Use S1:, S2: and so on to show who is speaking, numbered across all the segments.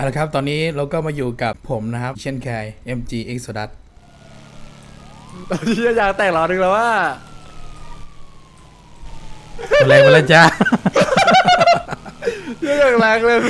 S1: เอาละครับตอนนี้เราก็มาอยู่กับผมนะครับเช่นเคย MG Exodus
S2: ตอนที่อยากแต่งหลอดนึงแล้วว่า
S1: ตัวแรงมาแล้วจ้า
S2: เยอะอย่างแรงเลย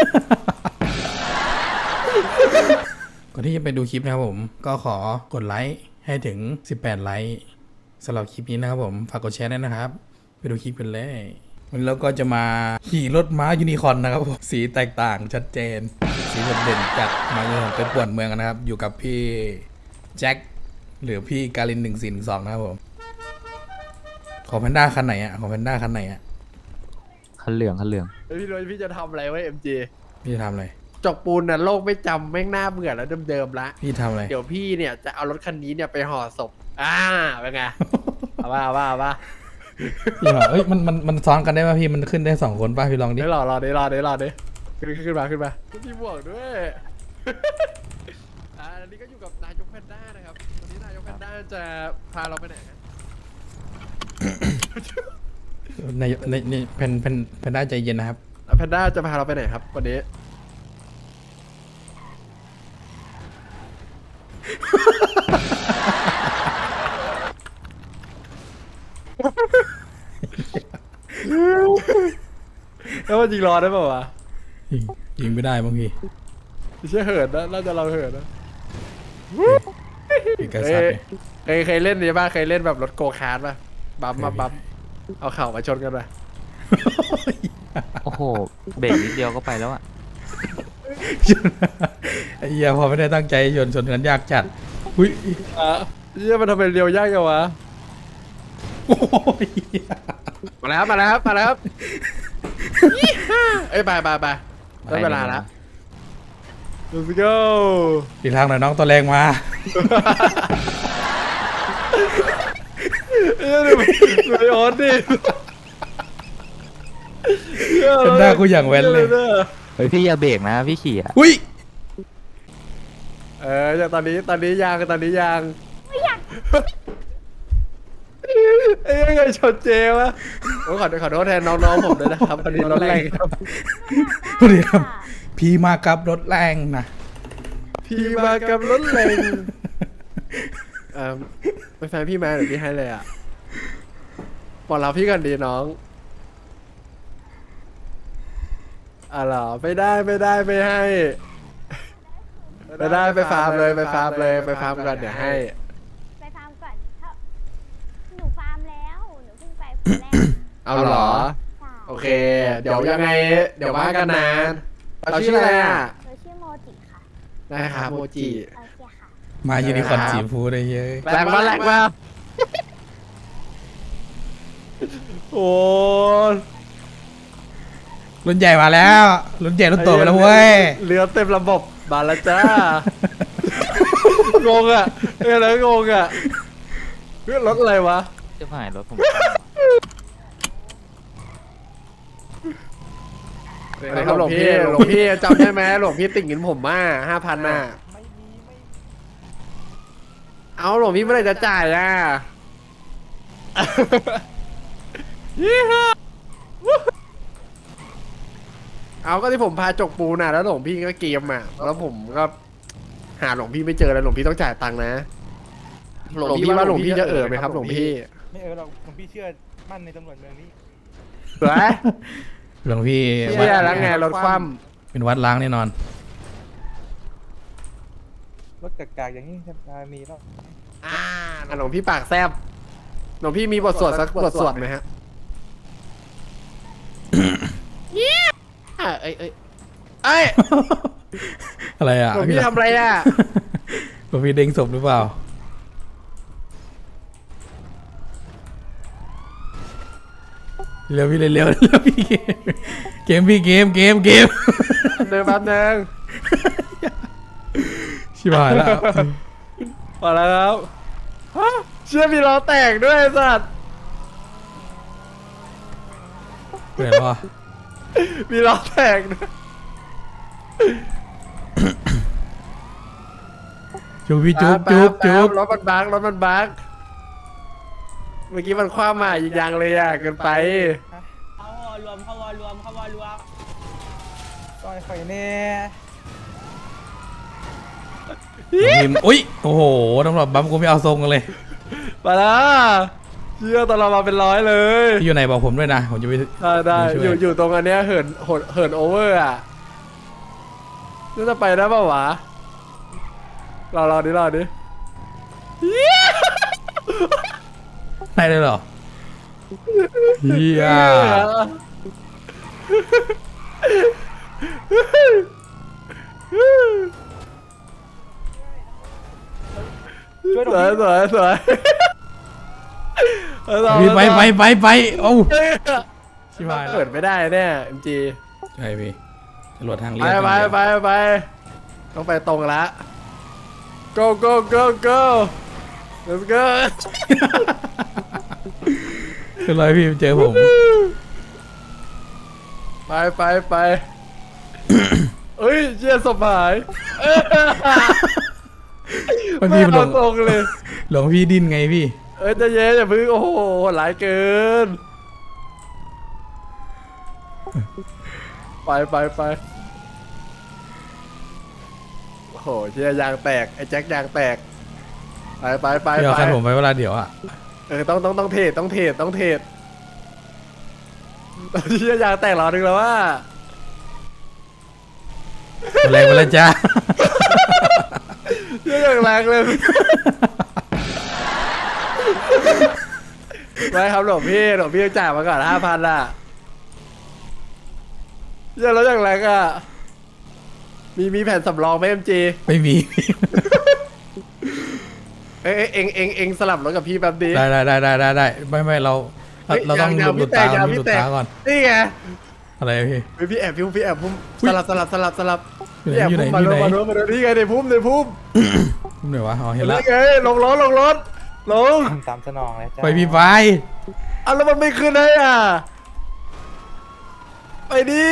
S1: ก่อนที่จะไปดูคลิปนะครับผมก็ขอกดไลค์ให้ถึง18ไลค์สำหรับคลิปนี้นะครับผมฝากกดแชร์ด้วยนะครับไปดูคลิปกันเลยวันนี้เราก็จะมาขี่รถม้ายูนิคอร์นนะครับผมสีแตกต่างชัดเจนสีโดดเด่นจัดมายูนิคอร์นไปป่วนเมืองกันนะครับอยู่กับพี่แจ็คหรือพี่การิน1412นะครับผมของแพนด้าคันไหนอ่ะของแพนด้าคันไหนอ่ะ
S3: คันเหลืองคันเหลือง
S2: พี่โรยพี่จะทำอะไรไว้ MG
S1: พี่จะทำอะไร
S2: จกปูนน่ะโลกไม่จำแม่งหน้าเบื่อแล้วเดิมๆละ
S1: พี่ทำอะไร
S2: เดี๋ยวพี่เนี่ยจะเอารถคันนี้เนี่ยไปห่อศพเป็นไง เอาว่า
S1: พี่บอกเอ้ยมันซ้อนกันได้ป่ะพี่มันขึ้นได้2คนป่ะพี่ลองดิ
S2: ได้รอดิขึ้นมาพี่บวกด้วย อันนี้ก็อยู่กับนายกแพนด้านะครับวันนี้นายกแพนด้าจะพาเราไปไหนฮะ
S1: ในเพนด้าใจเย็นนะครับ
S2: แพนด้าจะพาเราไปไหนครับวันนี้ แล้วมันจริงรอได้ป่าวะ
S1: ยิงไม่ได้บางที
S2: ไม่ใช่เหินนะน่าจะเราเหินนะ
S1: พี่กระสับเนี่ย
S2: เคยเล่นนี่ป่ะเคยเล่นแบบรถโกคาร์ทป่ะบัมมาบัมเอาเข่ามาชนกันป่ะ
S3: โอ้โห เบรกนิดเดียวก็ไปแล้วอะ
S1: ไอ้เหี้ยพอไม่ได้ตั้งใจชนกันยากจัดอุ้ย
S2: เนี่ยมันทำเป็นเรียวยากจังวะ
S1: โอ้ย
S2: มาแล้วครับเอ้ยไปได้เวลาแล้ว let's go
S1: อีกทางหน่อยน้องตัวแรงมา
S2: ดูไอโอ๊ตดิ
S1: เพนด้ากูอย่างแว้นเลย
S3: เฮ้ยพี่อย่าเบรกนะพี่ขี่อะ
S1: อุ้ย
S2: จากตอนนี้ยางไม่อยากเอ้ยไงชนเจวะโอ้ขอโทษแทนน้องๆผมด้วยนะครับพอดีรถแรงครับ
S1: สวัสดีครับพี่มากับรถแรงนะ
S2: พี่มากับรถแรงเป็นแฟนพี่มาเดี๋ยวพี่ให้เลยอ่ะบอกเราพี่กันดีน้องเหรอไม่ได้ไม่ให้ไม่ได้ไปฟาร์มเลยไปฟาร์มก่อนเดี๋ยวให้
S4: ไปฟาร์มก่อนถ้าหนูฟาร์มแล้วหนูเพิ่งไปคนแรก
S2: เอาเหรอ
S4: ใช่
S2: โอเค เดี๋ยวยังไงเดี๋ยวว่ากันนานเราชื่ออะไรอ่ะ
S4: หนูชื่อโมจิค่ะ
S2: ได้ครับโมจิ
S4: โอเคค่ะ
S1: มายูนิคอร์นสีชมพูได้เยอะ
S2: แรงมาโอ้
S1: รุ่นใหญ่มาแล้วรุ่นใหญ่รุ่นโตไปแล้วเว้ย
S2: เรือเต็มระบบมาแล้วจ้างงอ่ะอะไรงงอ่ะเรื่องรถอะไรวะ
S3: จะผ่านรถผม
S2: หลวงพี่จำได้ไหมหลวงพี่ติ่งเงินผมมา5,000น่ะเอาหลวงพี่เมื่อไหร่จะจ่ายอ่ะเอาก็ที่ผมพาจกปูน่ะแล้วหลวงพี่ก็เกมอ่ะแล้วผมก็หาหลวงพี่ไม่เจอแล้วหลวงพี่ต้องจ่ายตังค์นะหลวงพี่ว่าหลวงพี่จะไหมครับหลวงพี่
S5: ไม่หรอกหลวงพี่เชื่อมั่นในตำรวจเมืองนี้
S2: เสือ
S1: หลวงพี่
S2: เชื่อแล้วไงรถคว่
S1: เป็นวัดล้างแน่นอน
S5: รถกากๆอย่างนี้จะมีแล้ว
S2: ำหลวงพี่ปากแซบหลวงพี่มีบทสวดสักบทสวดไหมฮะเอ้ย
S1: อะไรอ่ะ
S2: หลวงพี่ทำอะไรอ่ะ
S1: หลวงพี่เด้งศพหรือเปล่าเร็วพี่เร็วพี่เกมพี่เกม
S2: เดินแป๊บนึง
S1: ชิบหายแล้ว
S2: มาแล้วครับฮะเชื่อมีล้อแตกด้วยไอ้สัตว์
S1: เปลี่ยนแล้ววะ
S2: มีล้อแตกด้วย
S1: จุ๊บพี่จุ๊บ
S2: รถมันบักเมื่อกี้มันคว้ามาอีกอย่างเลยอ่ะเกินไป
S5: เข้าวอรวมก็ไอ้ข่อยแน่
S1: พิมพ์อุ้ยโอ้โหตำรวจบัมกูไม่เอาทรงกันเลย
S2: ไปละเชื่อตอนเรามาเป็นร้อยเลย
S1: พี่อยู่ไหนบอกผมด้วยนะผมจะไป
S2: ได้
S1: ช่วย
S2: อยู่ตรงอันเนี้ยเหินโอเวอร์อ่ะน่าจะไปได้ป่าวะรอดิ
S1: ได้เลยเหรอเฮีย
S5: ช่วยห
S2: ส
S5: น่
S2: ว
S5: อย ย
S2: สวย
S1: พี่ไปโอ้ชิบหายแล้
S2: เปิ
S1: ว
S2: ดไม่ได้แน่เอ็มจี
S1: ใช่พี่ตำรวจทางเรี
S2: ไป
S1: ยบ
S2: ไปต้องไปตรงละ go let's go
S1: เป็นไรพี่เจอผม
S2: ไปเอ้ยเชี่ยสบาย
S1: วันนี้มันหล
S2: เอา
S1: ง
S2: ตรงเลย
S1: หลงพี่ดิ้นไงพี่
S2: ใจะเย็นอย่าพึ่งโอ้โหหลายเกิน ไปโอ้โหเชี่ยยางแตกไอ้แจ็คยางแตกไป
S1: พี่เอาคันผมไปเวลาเดี๋ยวอ่ะ
S2: ต้องเทรดเชี่ยยางแตกรอนึงแล้วว่า
S1: แรงไปแล้วจ้า
S2: เชี่ยอย่างแรงเลยไม่ครับหลวงพี่จ่ายมาก่อน5,000อ่ะเชี่ยแล้วอย่างแรงอ่ะมีแผ่นสำรองไหมเอ็มจี
S1: ไม่มี
S2: เอ็งสลับรถกับพี่แป๊บดี
S1: ได้ไม่เราต้องหลุดตาก่อนหลุดตาก่อน
S2: นี่ไง
S1: อะไรพี่
S2: พี่แอบพุ่มสลับ
S1: อยู่ไหนอยู่ไหน
S2: มา
S1: อยู่ไหน
S2: มานี่ไงในพุ่ม
S1: พุ่มไหนวะอ๋อเห็นแล้ว
S2: นี่ไงลงรถลง
S5: ตามสนองเลยจ้า
S1: ไปพี่ไฟ
S2: อ่ะแล้วมันไม่ขึ้นได้อ่ะไปดิ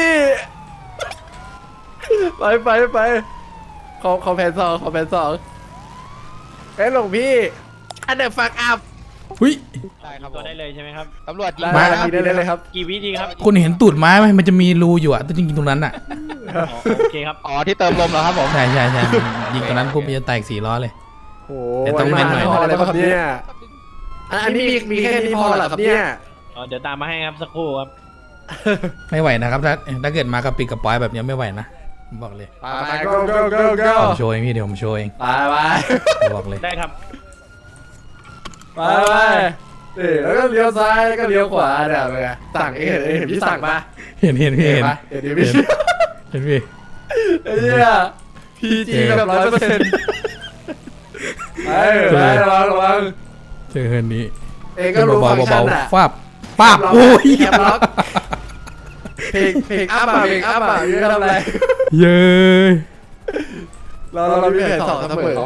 S2: ไปขอแผนสองเอ้ยหลวงพี่อันเดอร์ฟักอัพ
S1: หุ้ย
S6: ตัวได้เลยใช่ไหมครับ
S7: ตำรวจยิง
S2: ได้
S7: นะครับ
S2: ได้เลยครับ
S6: กี่วิดีครับ
S1: คุณเห็นตูดไม้ไหมมันจะมีรูอยู่อ่ะต้องยิงตรงนั้นอ่ะ
S6: โอเคครับ
S7: อ๋อที่เติมลมเหรอครับผม
S1: ใช่ยิงตรงนั้นปุ๊บมันจะแตก4 ล้อเลย
S2: โอ้
S1: แต่ต้องเล่นหน่อย
S2: พออะไรครับเนี่ยอันนี้มีแค่นี้พอเหรอครับเนี่ย
S6: เดี๋ยวตามมาให้ครับสักครู่ครับ
S1: ไม่ไหวนะครับถ้าเกิดมากระปิดกระปอยแบบนี้ไม่ไหวนะผมบอกเลย
S2: ไป go
S1: ผมโชว์เองพี่เดี๋ยวผมโชว์เอง
S2: ไป
S1: ผมบอกเลย
S6: ได้ครับ
S2: ไปแล้วก็เลี้ยวซ้ายแล้วก็เลี้ยวขวาเนี่ยไปสั่งเห็นพี่สั่งปะ
S1: เห็นพี่
S2: เห็นพี่
S1: เห็นพี่
S2: ไอ้เนี่ยพีจีแบบ100%ไประวัง
S1: เจอเฮินนี้
S2: เองก็รู้ฟังก์ชันอ่ะ
S1: ฟาบป้าบโอ้ย
S2: แคปล็อกเพลงอัพอ่ะอยู่ทำอะไร
S1: เย้ย
S2: เรามีแผน2เสมอ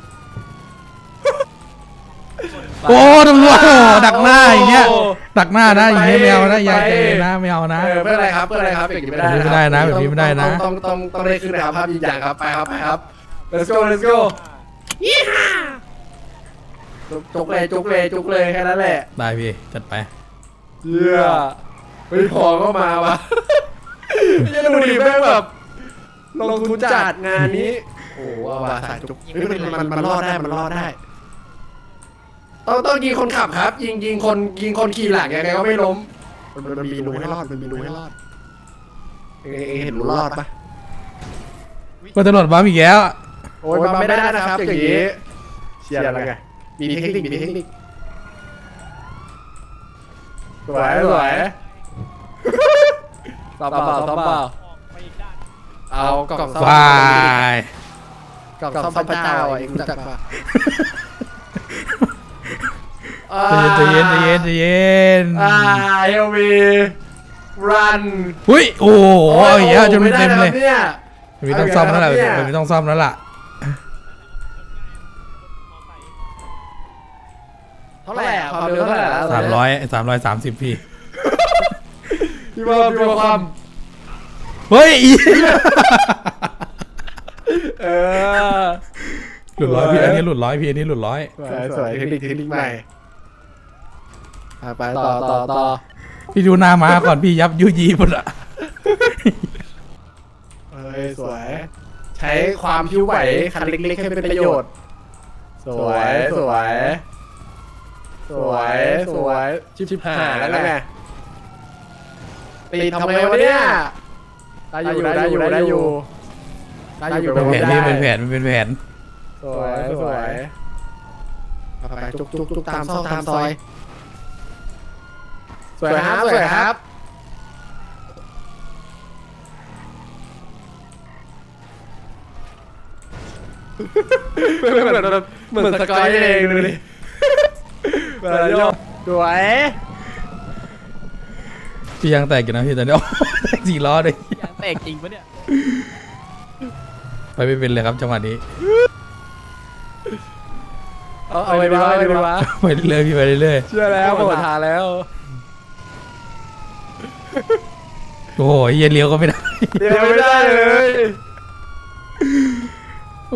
S1: โอ้ตำรวจดักหน้าอย่างเงี้ยดักหน้านะอย่างเงี้ยไม่เอานะอย่าเจนะไม่เอานะ
S2: เพื่ออะไรครับอย่างนี้ไม่ได้
S1: แบบนี้ไม่ได้นะแบบนี้ไม่ได้นะ
S2: ต้องได้ขึ้นนะครับภาพยิงอย่างครับไปครับ let's go ยี่ห้าจุกเลยแค่นั้นแหละ
S1: ได้พี่จัดไป
S2: เยี่ยไปพอก็มาวะยังดูดิแม่งแบบลงทุนจัดงานนี้ โอ้ว่าสายจุกมันรอดได้ต้องยิงคนขับครับ ยิงคนขี่หลังยังไงก็ไม่ล้มมันมีรูให้รอดเอเห็นรูรอดปะ
S1: ก็ตำรวจบ้าอีกแล้ว
S2: โอ้ยมาไม่ได้นะครับอย่างนี้เชียร์อะไรไงมีเทคนิคสวยต่อเปล่าเอากล่องซ่อม
S1: วาย
S2: กล่องซ่อมพระเจ้าเองรู้จักปะ
S1: ใจเย็น
S2: เฮลวีรัน
S1: หุ้ยโอ้โหอย่างเงี้ยจนเต็มเลย
S2: เนี่ย
S1: ไม่ต้องซ่อมแล้วล่ะไม่ต้องซ่อมแล้วล่ะ
S2: เท่าไหร่ความเร็วเท่าไหร่แล้ว
S1: 330พี่
S2: พี่ว่าความ
S1: เฮ้ย หลุดร้อยพี่อันนี้หลุดร้อยพี่อันนี้หลุดร้อย
S2: สวยเทคนิคใหม่ไปต่อ
S1: พี่ดูหน้ามาก่อนพี่ยับยุยีหมดอะ
S2: เฮ้ยสวยใช้ความผิวไหวคันเล็กๆให้เป็นประโยชน์ สวยสวยสวยสวยชิบหายแล้วไงตีทำไงวะเนี่ยได้อยู่ได้อยู่ได้อยู่ได้อยู่
S1: เป็นแผนพี่เป็นแผนเป็นแผน
S2: สวยสวยไปจุกจุกจุกตามซอกตามซอยสวยครับสวยครับเหมือนสกอยเองดูดิแบบโยกสวย
S1: พี่ยังแตกอยู่นะพี่ตอนนี้ สี่ล้อเลย
S3: ยางแตกจริงปะเนี่ย
S1: ไปไม่เป็นเลยครับจังหวะนี้
S2: เอาไปดีวะไปดีวะ
S1: ไปเรื่อยๆพี่ไปเรื่อย
S2: เชื่อแล้วหมดทางแล้ว
S1: ๆโอ้โหเหี้ยเลี้ยวก็ไม่ได้
S2: เดี๋ยวไม่ได้เลย
S1: โอ้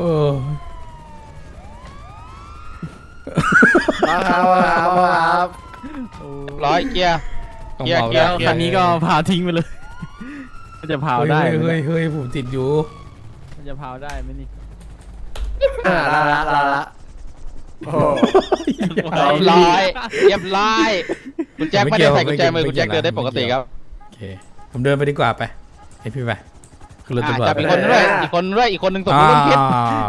S2: มาครับมาครับ
S7: ร้อยเกียร์
S1: ต้อง
S7: เกียร์
S1: เบา
S7: เกียร์
S1: แล้ว
S3: คันนี้ก็พาทิ้งไปเลย มันจะพาวได้ไหม
S1: เฮ้ย
S3: เนี่ย
S1: เฮ้ยผมติดอยู่
S3: มันจะพาวได้ไหมนี่
S2: ละโอ้
S7: เรียบร้อยเรียบร้อยคุณแจ็คไม่ได้ใส่กุญแจมือคุณแจ็คเดินได้ปกติครับ
S1: โอเคผมเดินไปดีกว่าไปให้พี่ไปคือรถตำรวจ
S7: จับอีกคนด้วยอีกคนด้วยอีกคนหนึ่งตก
S1: อ่า
S7: เรื่องพิษ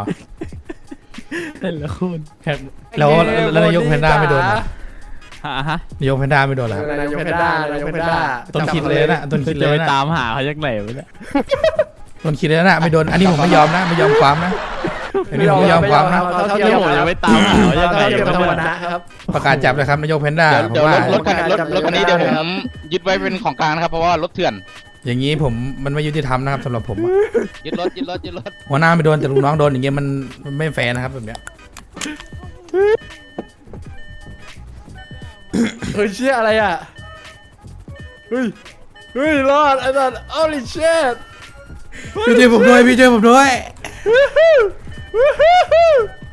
S3: แต่ละคน
S1: แล้วนายกแพนด้าไม่โดนเหรอ
S3: ฮะ
S1: นายกแพนด้าไม่โดนเหรอครับ
S2: นายกเพนด้านายกเพนด้า
S1: ต้นคิดเลยนะต้นคิดเล
S3: จะ
S1: ย
S3: ไป
S1: นะ
S3: ตามหาเขาจากไหนวะเนี่ย
S1: ต้นคิดเลยนะไม่โดนอันนี้ผมไม่ยอมนะไม่ยอมความนะอันนี้ผมไม่ยอมความนะ
S2: เท่า
S3: เดี๋
S2: เที
S3: ย
S2: ยว ม
S3: ผมจะไปตามหาเขาจากไหน
S2: เท่าเทียม
S3: วะ
S2: ธรรม
S3: เนี่ย
S2: นะครับ
S1: ประกาศจับเลยครับนายกแพนด้า
S7: เดี๋ยว
S1: ผมว่า
S7: รถคันนี้เดี๋ยวผมยึดไว้เป็นของกลางนะครับเพราะว่ารถเถื่อน
S1: อย่างนี้ผมมันไม่ยุติธรรมนะครับสำหรับผมอะ
S7: ยึดรถ
S1: หัวหน้าไม่โดนแต่ลูกน้องโดนอย่างเงี้ยมันไม่แฟร์นะครับแบบเนี้ย
S2: เฮ้ยเชี่ยอะไรอ่ะเฮ้ยรอดไอ้สัส holy shit
S1: พี่ช่วยผมด้วยพี่ช่วยผมด้วย